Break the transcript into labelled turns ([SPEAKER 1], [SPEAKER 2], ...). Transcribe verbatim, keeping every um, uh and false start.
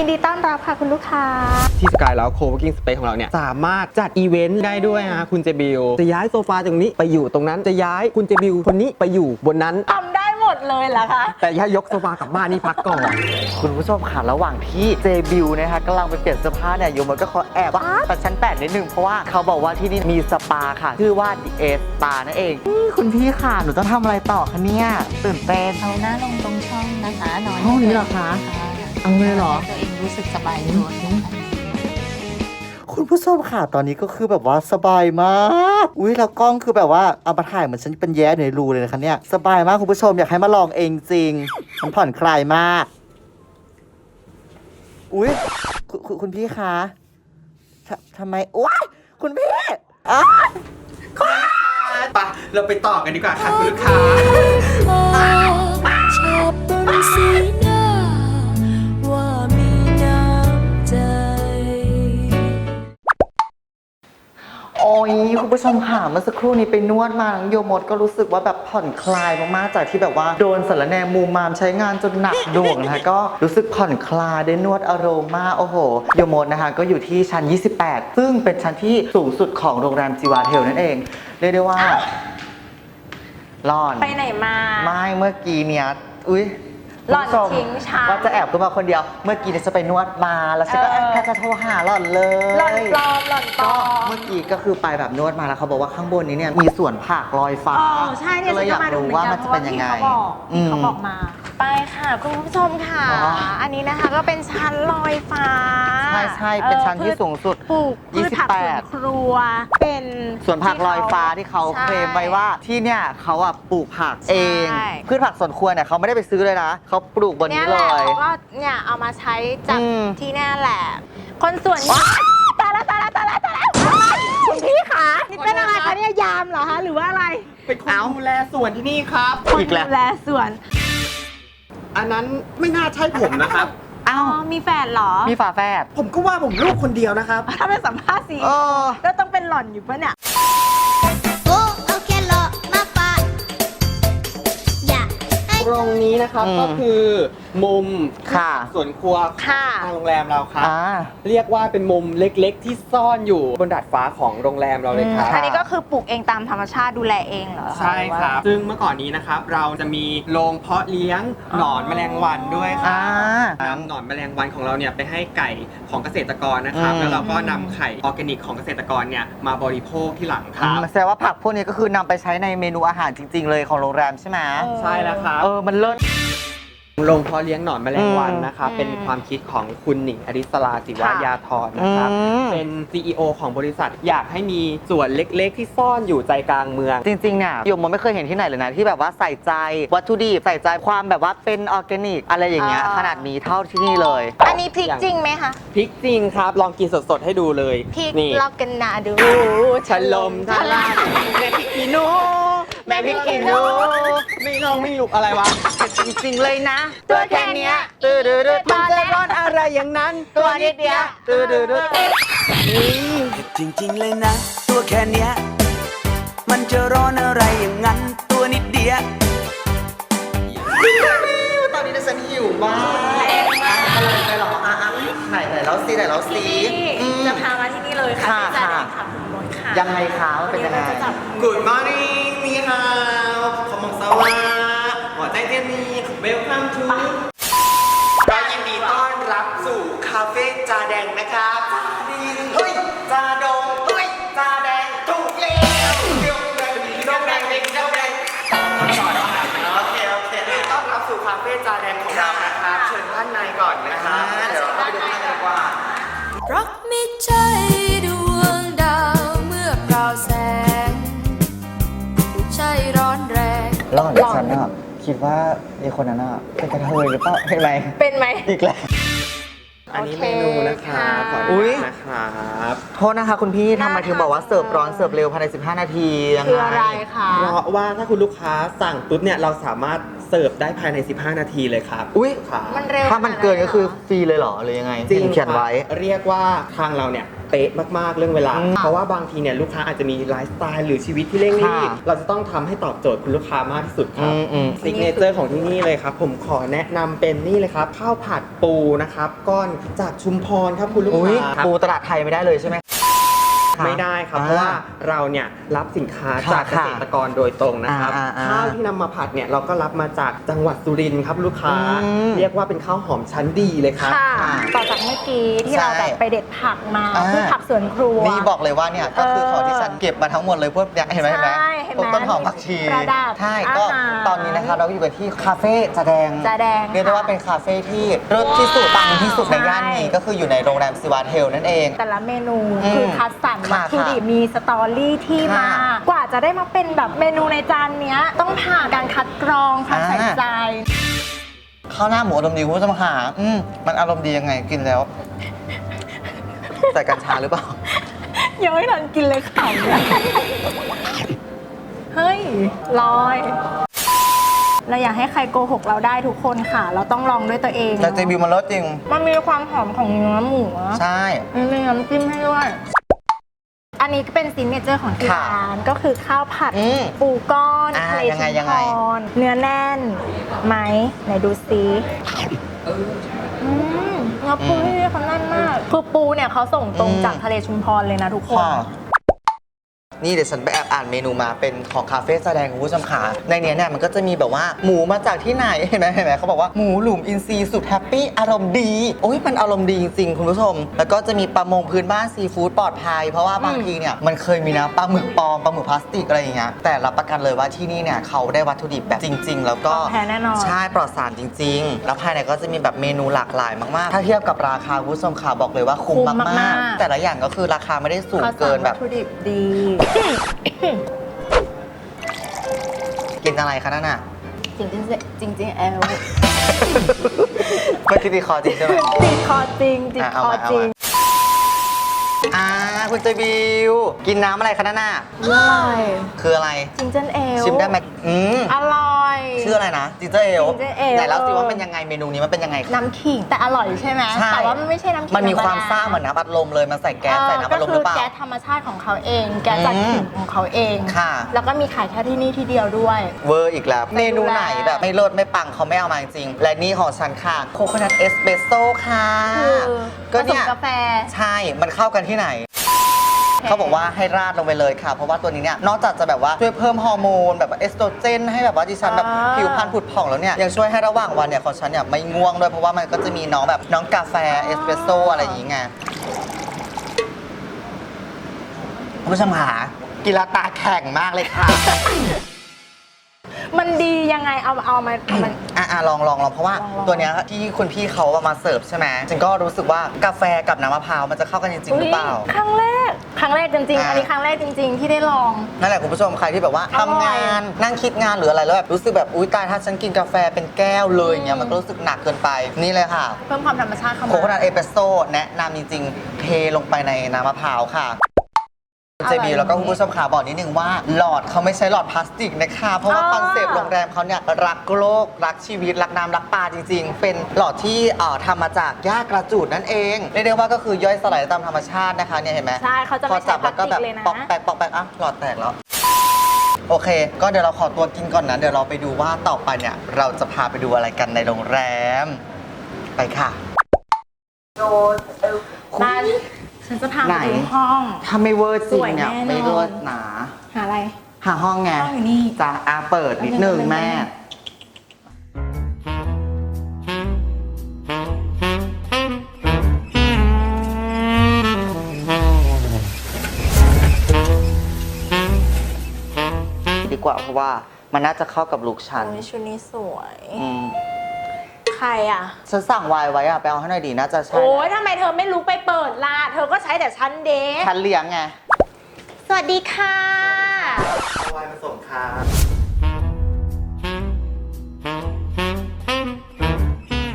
[SPEAKER 1] ยินดีต้อนรับค่ะคุณลูกค้า
[SPEAKER 2] ที่สกายแล้วโคเวิร์กิ้งสเปซของเราเนี่ยสามารถจัดอีเวนต์ได้ด้วยนะคุณเจบิวจะย้ายโซฟาตรงนี้ไปอยู่ตรงนั้นจะย้ายคุณเจบิวคนนี้ไปอยู่บนนั้น
[SPEAKER 1] ทำได้หมดเลยเหรอคะ
[SPEAKER 2] แต่ถ้ายกโซฟากลับบ้านนี่พักก่อน
[SPEAKER 3] คุณผู้ชมค่ะระหว่างที่เจบิวนะคะกำลังไปเปลี่ยนเสื้อผ้าเนี่ยโยมก็ขอแอบว่าแต่ชั้นแปดนิดนึงเพราะว่าเขาบอกว่าที่นี่มีสปาค่ะชื่อว่าดีเอสปานั่นเองคุณพี่ค่ะหนูต้องทำอะไรต่อคะเนี่ยตื่นเต้น
[SPEAKER 1] เอาหน้าลงตรงช่องนะคะนอน
[SPEAKER 3] ห้องนี้เหรอคะเอาเลยเหรอ
[SPEAKER 1] ตัวเองรู้สึกสบายตัว
[SPEAKER 3] คุณผู้ชมค่ะตอนนี้ก็คือแบบว่าสบายมากอุ้ยแล้วกล้องคือแบบว่าเอามาถ่ายเหมือนฉันเป็นแย้ในรูเลยนะคะเนี่ยสบายมากคุณผู้ชมอยากให้มาลองเองจริงมันผ่อนคลายมากอุ้ยคุณคุณคุณพี่คะททำไมว้ายคุณพี่อ้าว
[SPEAKER 2] ไปเราไปต่อกันดีกว่าค่ะคุณลูกค้า
[SPEAKER 4] ชอบบนสีหน้าว่ามีน้ำใจ
[SPEAKER 3] โอ้ยคุณผู้ชมค่ะเมื่อสักครู่นี้ไปนวดมาน้องโยมดก็รู้สึกว่าแบบผ่อนคลายมากๆจากที่แบบว่าโดนสารแนมูมามใช้งานจนหนักหน่วงนะคะก็รู้สึกผ่อนคลายได้นวดอโรมาโอ้โหโยมดนะคะก็อยู่ที่ชั้นยี่สิบแปดซึ่งเป็นชั้นที่สูงสุดของโรงแรมจีวาเทลนั่นเองเรียกได้ว่าร้อน
[SPEAKER 1] ไปไหนมา
[SPEAKER 3] ไม่เมื่อกี้เนี้ยอุ้ย
[SPEAKER 1] หล่อนทิ้งฉัน
[SPEAKER 3] ว่าจะแอบขึ้นมาคนเดียวเมื่อกี้เนี่ยจะไปนวดมาแล้วฉันก็แค่จะโทรหาหล่อนเลย
[SPEAKER 1] หล่อนปลอมหล่อนปลอม
[SPEAKER 3] เมื่อกี้ก็คือไปแบบนวดมาแล้วเขาบอกว่าข้างบนนี้เนี่ยมีสวนผักลอยฟ้า
[SPEAKER 1] อ๋อใช่เนี่ย
[SPEAKER 3] ก็เลยอยากรู้ว่ามันจะเป็นยังไง
[SPEAKER 1] เขาบอกมาไปค่ะคุณผู้ชมค่ะอันนี้นะคะก็เป็นชั้นลอยฟ้า
[SPEAKER 3] ใช่ใช่เป็นชั้นที่สูงสุด
[SPEAKER 1] ปลูกพืชผักสวนครัวเป็น
[SPEAKER 3] สวนผักลอยฟ้าที่เขาเคลมไว้ว่าที่เนี่ยเขาอ่ะปลูกผักเองพืชผักสวนครัวเนี่ยเขาไม่ได้ไปซื้อเลยนะเขาปลูกบนนี้เลย
[SPEAKER 1] ก็เนี่ยเอามาใช้จากที่นี่แหละคนสวนตายแล้วตายแล้วตายแล้วตายแล้วคุณพี่คะนี่เป็นอะไรคะเนี่ยยามเหรอคะหรือว่าอะไร
[SPEAKER 2] เป็นคนดูแลสวนที่นี่ครับ
[SPEAKER 1] คนดูแลสวน
[SPEAKER 2] อันนั้นไม่น่าใช่ผมนะครับ
[SPEAKER 1] อ้าวมีแฝดเหรอ
[SPEAKER 3] มีฝาแฝด
[SPEAKER 2] ผมก็ว่าผมลูกคนเดียวนะครับ
[SPEAKER 1] ถ้าเป็นสัมภาษณ์สิแล้วต้องเป็นหล่อนอยู่ปะเนี่ย
[SPEAKER 2] ตรงนี้นะครับก็คือมุม
[SPEAKER 3] ค่ะ
[SPEAKER 2] สวนครัวทางโรงแรมเราครับเรียกว่าเป็นมุมเล็กๆที่ซ่อนอยู่บนดาดฟ้าของโรงแรมเราเลยครับ
[SPEAKER 1] อันนี้ก็คือปลูกเองตามธรรมชาติดูแลเองเหรอ
[SPEAKER 2] ใช่ครับซึ่งเมื่อก่อนนี้นะครับเราจะมีโรงเพาะเลี้ยงหนอนแมลงวันด้วยครับนำหนอนแมลงวันของเราเนี่ยไปให้ไก่ของเกษตรกรนะครับแล้วเราก็นำไข่ออร์แกนิกของเกษตรกรเนี่ยมาบริโภคที่หลังครับ
[SPEAKER 3] แสดงว่าผักพวกนี้ก็คือนำไปใช้ในเมนูอาหารจริงๆเลยของโรงแรมใช่ไหม
[SPEAKER 2] ใช่แล้วครับ
[SPEAKER 3] เออมันเลิศ
[SPEAKER 2] โรงเพาะเลี้ยงหนอนแมลงวันนะครับเป็นความคิดของคุณหนิงอริสราศิวายาธรนะครับเป็น ซี อี โอ ของบริษัทอยากให้มีส่วนเล็กๆที่ซ่อนอยู่ใจกลางเมือง
[SPEAKER 3] จริงๆเนี่ยโยมไม่เคยเห็นที่ไหนเลยนะที่แบบว่าใส่ใจวัตถุดิบใส่ใจความแบบว่าเป็นออร์แกนิกอะไรอย่างเงี้ยขนาดนี้เท่าที่นี่เลย
[SPEAKER 1] อันนี้พริกจริงไหมคะ
[SPEAKER 2] พริกจริงครับลองกินสดๆให้ดูเลย
[SPEAKER 1] พริกลอกกันนาดู
[SPEAKER 2] ฉลมทลายแม่พริกขี้หนูแม่พริกขี้หนูไม่ลองไม่ลุกอะไรวะ
[SPEAKER 3] จริงๆเลยนะ
[SPEAKER 1] ตัวแค่นี้
[SPEAKER 3] ตื้อดื้อดื้อ
[SPEAKER 2] มันจะร้อนอะไรอย่างนั้น
[SPEAKER 1] ตัวนิดเดียว
[SPEAKER 3] ตื้อดื้อดื้อ
[SPEAKER 4] จริงๆเลยนะตัวแค่เนี้ยมันจะร้อนอะไรอย่างนั้นตัวนิดเดียว
[SPEAKER 3] ตอนนี้ฉันหิวมากอะไรไปหรออ่ะอ่ะไหนไหนแล้วซีไหนแล้วซี
[SPEAKER 1] จะพามาที่นี่เลยค่ะที่จะได้ขับรถค่ะ
[SPEAKER 3] ยังไงคะเป็นยังไง
[SPEAKER 2] Good morning นี่ฮาวขมงสวัสดิ์หัวใจเทียนนี้ Welcome to ก็ยินดีต้อนรับสู่คาเฟ่จาแดงนะครับเฮ้ยจาดงเฮ้ยจาแดงถูกแล้วเดี๋ยวแดงเดี๋ยวแดงเดี๋ยวแดงต่อต่อโอเคโอเคต้อนรับสู่คาเฟ่จาแดงของเรานะครับเชิญด้านในก่อนนะครับเดี๋ยวเราไปดูข้างในดีกว่า
[SPEAKER 4] รักไม่ใช่ดวงดาวเมื่อเปล่าแสงใช่ร้อนแรง
[SPEAKER 3] ร้อนฉันอ่ะคิดว่าไอ้คนนั้นอ่ะเป็นกระเทยหรือเปล่าเป็นไร
[SPEAKER 1] เป็นไหม
[SPEAKER 3] อีกแล้ว
[SPEAKER 2] อันนี้เมนูนะคะขออนุญาตนะครับ
[SPEAKER 3] โทษนะคะคุณพี่ทำไมถึงบอกว่าเสิร์ฟร้อนเสิร์ฟเร็วภายในสิบห้านาทียังไง
[SPEAKER 1] คืออะไรคะ
[SPEAKER 2] เพราะว่าถ้าคุณลูกค้าสั่งปุ๊บเนี่ยเราสามารถเสิร์ฟได้ภายในสิบห้านาทีเลยครับ
[SPEAKER 3] อุ้ย
[SPEAKER 1] มันเร็ว
[SPEAKER 3] ถ้ามันเกินก็คือฟรีเลยเหรอหรือยังไง
[SPEAKER 2] จริง
[SPEAKER 3] เขียนไว้
[SPEAKER 2] เรียกว่าทางเราเนี่ยเป๊ะมากๆเรื่องเวลา
[SPEAKER 3] อืม
[SPEAKER 2] เพราะว่าบางทีเนี่ยลูกค้าอาจจะมีไลฟ์สไตล์หรือชีวิตที่เร่งรีบ
[SPEAKER 3] ค่ะ
[SPEAKER 2] เราจะต้องทำให้ตอบโจทย์คุณลูกค้ามากที่สุดครับ
[SPEAKER 3] อืมอืม
[SPEAKER 2] ซิกเนเจอร์ของที่นี่เลยครับผมขอแนะนำเป็นนี่เลยครับข้าวผัดปูนะครับก้อนจากชุมพรครับคุณลูก
[SPEAKER 3] อุ้ย
[SPEAKER 2] ค้าครับ
[SPEAKER 3] ปูตลาดไทยไม่ได้เลยใช่ไหม
[SPEAKER 2] ไม่ได้ครับ
[SPEAKER 3] อ่า
[SPEAKER 2] เพราะว่าเราเนี่ยรับสินค้า
[SPEAKER 3] ค่ะ
[SPEAKER 2] จากเกษตรกรโดยตรงนะครับ
[SPEAKER 3] อ่าอ่าอ่า
[SPEAKER 2] ข้าวที่นำมาผัดเนี่ยเราก็รับมาจากจังหวัดสุรินทร์ครับลูกค้า
[SPEAKER 3] อืม
[SPEAKER 2] เรียกว่าเป็นข้าวหอมชั้นดีเลยครับ
[SPEAKER 1] ค่ะ ต่อจากเมื่อกี้ที่เรา
[SPEAKER 3] ใช่
[SPEAKER 1] แบบไปเด็ดผักมา
[SPEAKER 3] อ่า
[SPEAKER 1] พืชผักสวนครัว
[SPEAKER 3] นี่บอกเลยว่าเนี่ยก็คือของที่ฉันเก็บมาทั้งหมดเลยพวกเนี่ยเห็นไหมเห็นไหม
[SPEAKER 1] ใช่เห็นไหม
[SPEAKER 3] พวกต้นหอมผักชี
[SPEAKER 1] ประดับ
[SPEAKER 3] ใช่ก็
[SPEAKER 1] อาหาร
[SPEAKER 3] ตอนนี้นะคะเราอยู่กันที่คาเฟ่จาแดง
[SPEAKER 1] จาแดง
[SPEAKER 3] เรียกได้ว่าเป็นคาเฟ่ที่เลิศที่สุดปังที่สุดในย่านนี้
[SPEAKER 1] ใช่
[SPEAKER 3] ก็คืออยู่ในโรงแรมซิวาเทลนั่นเอง
[SPEAKER 1] แต่ละเมนู
[SPEAKER 3] อืม
[SPEAKER 1] คือคัดสรร
[SPEAKER 3] ค่ะ
[SPEAKER 1] วัตถุดิบมีสตอรี่ที่มา
[SPEAKER 3] ค่ะ
[SPEAKER 1] กว่าจะได้มาเป็นแบบเมนูในจานเนี้ย ต้องผ่านการคัดกรองความ
[SPEAKER 3] อ่า
[SPEAKER 1] ใส่ใจ
[SPEAKER 3] ข้าวหน้าหมูอารมณ์ดีคุณผู้ชมค่ะอืมมันอารมณ์ดียังไงกินแล้วใส่กัญชาหรือเปล่า
[SPEAKER 1] ยังไม่ทันกินเลยขำเลยเฮ้ยลอย เราอยากให้ใครโกหกเราได้ทุกคนค่ะ เราต้องลองด้วยตัวเอง
[SPEAKER 3] แต่เจบิวมันรสจริง
[SPEAKER 1] มันมีความหอมของเนื้อหมูอะ
[SPEAKER 3] ใช่
[SPEAKER 1] มีน้ำจิ้มให้ด้วย อันนี้ก็เป็นซิกเนเจอร์ของที่
[SPEAKER 3] ค่ะ
[SPEAKER 1] ร้านก็คือข้าวผัด
[SPEAKER 3] อืม
[SPEAKER 1] ปูก้อน
[SPEAKER 3] อ่า
[SPEAKER 1] ทะเล
[SPEAKER 3] ยังไง
[SPEAKER 1] ชุม
[SPEAKER 3] ยัง
[SPEAKER 1] พ
[SPEAKER 3] ไง
[SPEAKER 1] รเนื้อแน่นไหมไหนดูซิอืมเนื้อปูที่นี่เขาแน่นมากคือปูเนี่ยเขาส่งตรง
[SPEAKER 3] อืม
[SPEAKER 1] จากทะเลชุมพรเลยนะทุกคน
[SPEAKER 3] ค่ะนี่เดี๋ยวฉันไปแอบอ่านเมนูมาเป็นของคาเฟ่แสดงคุณผู้ชมขาในเนี้ยเนี่ยมันก็จะมีแบบว่าหมูมาจากที่ไหนเห็นไหมเห็นไหมเขาบอกว่าหมูหลุมอินทรีย์สุดแฮปปี้อารมณ์ดีโอ้ยมันอารมณ์ดีจริงๆคุณผู้ชม แล้วก็จะมีปลามงพื้นบ้านซีฟู้ดปลอดภัยเพราะว่าบางทีเนี่ยมันเคยมีนะปลาหมึกปลอมปลาหมึกพลาสติกอะไรอย่างเงี้ยแต่รับประกันเลยว่าที่นี่เนี่ยเขาได้วัตถุดิบแบบจริง ๆ แล้วก็
[SPEAKER 1] ของแท้แน่นอน
[SPEAKER 3] ใช่ปลอดสารจริง ๆ แล้วภายในก็จะมีแบบเมนูหลากหลายมากๆถ้าเทียบกับราคาคุณผู้ชมขาบอกเลยว่าคุ้ม
[SPEAKER 1] คุ้ม
[SPEAKER 3] มาม
[SPEAKER 1] าก ก
[SPEAKER 3] ๆ
[SPEAKER 1] ๆ
[SPEAKER 3] แต่ละอย่างก็คือราคาไม่ได้สูง
[SPEAKER 1] เขา
[SPEAKER 3] เกิน
[SPEAKER 1] สั่ง
[SPEAKER 3] แบ
[SPEAKER 1] วั
[SPEAKER 3] บ
[SPEAKER 1] ตถุดิบดี
[SPEAKER 3] กินอะไรคะนั่นน่ะ
[SPEAKER 1] จริงๆจริงจริงๆแอล
[SPEAKER 3] ไม่คิดดีคอจริงใช่ไหม
[SPEAKER 1] ติดคอจริงติด
[SPEAKER 3] อ่ะ
[SPEAKER 1] ค
[SPEAKER 3] เอา
[SPEAKER 1] อ
[SPEAKER 3] มาเอา
[SPEAKER 1] จริง
[SPEAKER 3] มา อ่าคุณเจบิว กินน้ำอะไรคะนั่นน่ะ
[SPEAKER 1] อร่อย
[SPEAKER 3] คืออะไร
[SPEAKER 1] จิงเจนเอล
[SPEAKER 3] ชิมได้ไหมอืม
[SPEAKER 1] อร่อย
[SPEAKER 3] ชื่ออะไรนะจิงเจอร์เอล
[SPEAKER 1] Ginger ale
[SPEAKER 3] ไหนเล่าสิว่าเป็นยังไงเมนูนี้มันเป็นยังไงคะ
[SPEAKER 1] น้ำขิงแต่อร่อยใช่ไหม
[SPEAKER 3] ใช่
[SPEAKER 1] แต่ว่ามันไม่ใช่น้ำขิง
[SPEAKER 3] มันมีความ
[SPEAKER 1] ธรรด
[SPEAKER 3] ซ่าเหมือนน้ำอัดลมเลยมันใส่แก๊สใส่น้ำอัดลมหรือเปล่า
[SPEAKER 1] ก็คือแก๊สธรรมชาติของเขาเอง แก๊สจาก
[SPEAKER 3] อืม
[SPEAKER 1] ขิงของเขาเอง
[SPEAKER 3] ค่ะ
[SPEAKER 1] แล้วก็มีขายแค่ที่นี่ที่เดียวด้วย
[SPEAKER 3] เวอร์อีกแล้ว เมนูไหน
[SPEAKER 1] แล้ว
[SPEAKER 3] แบบไม่เลิศไม่ปังเขาไม่เอามาจริงๆและนี่ของฉันค่ะโคโคนัทเอสเปรสโซ่ค่ะ
[SPEAKER 1] คือ
[SPEAKER 3] ก็
[SPEAKER 1] ผส
[SPEAKER 3] เนี่
[SPEAKER 1] ม
[SPEAKER 3] ย
[SPEAKER 1] กาแฟ
[SPEAKER 3] ใช่มันเข้ากันที่ไหน เขาบอกว่าให้ราดลงไปเลยค่ะ เพราะว่าตัวนี้เนี่ยนอกจากจะแบบว่าช่วยเพิ่มฮอร์โมนแบบว่าเอสโตรเจนให้แบบว่าดิฉันแบบ
[SPEAKER 1] อ่า
[SPEAKER 3] ผิวพรรณผุดผ่องแล้วเนี่ยยังช่วยให้ระหว่างวันเนี่ยของฉันเนี่ยไม่ง่วงด้วยเพราะว่ามันก็จะมีน้องแบบน้องกาแฟเอสเปรสโซ่อะไรอย่างเงี้ยคุณผู้ชมหากีฬาตาแข็งมากเลยค่ะ
[SPEAKER 1] มันดียังไงเอาเอามาเอามัน
[SPEAKER 3] อ่ะอ่ะลองลองลองเพราะว่า
[SPEAKER 1] ลองลอง
[SPEAKER 3] ตัวเนี้ยที่คุณพี่เขาเอามาเสิร์ฟใช่ไหมฉันก็รู้สึกว่ากาแฟกับน้ำมะพร้าวมันจะเข้ากันจริงๆหรือเปล่า
[SPEAKER 1] ครั้งแรก ครั้งแรกจริงๆ
[SPEAKER 3] อ่า
[SPEAKER 1] อันนี้ครั้งแรกจริง ๆ ที่ได้ลอง
[SPEAKER 3] นั่นแหละคุณผู้ชมใครที่แบบว่า
[SPEAKER 1] อร่อย
[SPEAKER 3] ทำงานนั่งคิดงานหรืออะไรแล้วแบบรู้สึกแบบอุ้ยตายถ้าฉันกินกาแฟเป็นแก้วเลยอย่างเงี้ยมันก็รู้สึกหนักเกินไปนี่เลยค่ะ
[SPEAKER 1] เพิ่มความธรรมชาติเข้า
[SPEAKER 3] โค
[SPEAKER 1] มา
[SPEAKER 3] โคนัทเอสเปรสโซ่แนะนำจริงๆ เทลงไปในน้ำมะพร้าวค่ะ
[SPEAKER 1] อร่อย
[SPEAKER 3] เจบีแล้วก็คุณผู้ชมขาบอกนิดนึงว่าหลอดเขาไม่ใช้หลอดพลาสติกนะคะเพราะว่า
[SPEAKER 1] อ่า
[SPEAKER 3] คอนเซปต์โรงแรมเขาเนี่ยรักโลกรักชีวิตรักน้ำรักปลาจริง ๆ เป็นหลอดที่เอ่อทำมาจากหญ้ากระจูดนั่นเองเรียกได้ว่าก็คือย่อยสลายตามธรรมชาตินะคะเนี่ยเห็นไหม
[SPEAKER 1] ใช่เขาจะ
[SPEAKER 3] พอ
[SPEAKER 1] ไม่
[SPEAKER 3] จั
[SPEAKER 1] ใช้
[SPEAKER 3] บ
[SPEAKER 1] พลา
[SPEAKER 3] แล้ว
[SPEAKER 1] ส
[SPEAKER 3] ก็
[SPEAKER 1] ติ
[SPEAKER 3] แบ
[SPEAKER 1] ก
[SPEAKER 3] บ
[SPEAKER 1] เลยนะ
[SPEAKER 3] ปอกแปกปอกแปกอ่ะหลอดแตกแล้ว โอเค ก็เดี๋ยวเราขอตัวกินก่อนนะ เดี๋ยวเราไปดูว่าต่อไปเนี่ย เราจะพาไปดูอะไรกันในโรงแรม ไปค่ะ
[SPEAKER 1] มาฉันจะพา
[SPEAKER 3] ไหน
[SPEAKER 1] ไปดูห้อง
[SPEAKER 3] ถ้าไม่เวอร์จริงเนี่ย
[SPEAKER 1] สวยแน่นอน
[SPEAKER 3] ไม่เลิศหนา
[SPEAKER 1] หาอะไร
[SPEAKER 3] หาห้องไง
[SPEAKER 1] ห้องอยู่นี่
[SPEAKER 3] จ้ะอาเปิดนิดนึงแม่ ดีกว่าเพราะว่ามันน่าจะเข้ากับลุคฉัน
[SPEAKER 1] โอ้ยชุดนี้สวย
[SPEAKER 3] อืม
[SPEAKER 1] ใครอ่ะ
[SPEAKER 3] ฉันสั่งไวน์ไว้อะไปเอาให้หน่อยดีน่าจะใช่
[SPEAKER 1] โอ้ยทำไมเธอไม่ลุกไปเปิดล่ะ เธอก็ใช้แต่ชั้นเดท
[SPEAKER 3] ฉันเลี้ยงไง
[SPEAKER 1] สวัสดีค่ะ
[SPEAKER 3] เอาไวน์มาส่งค่ะ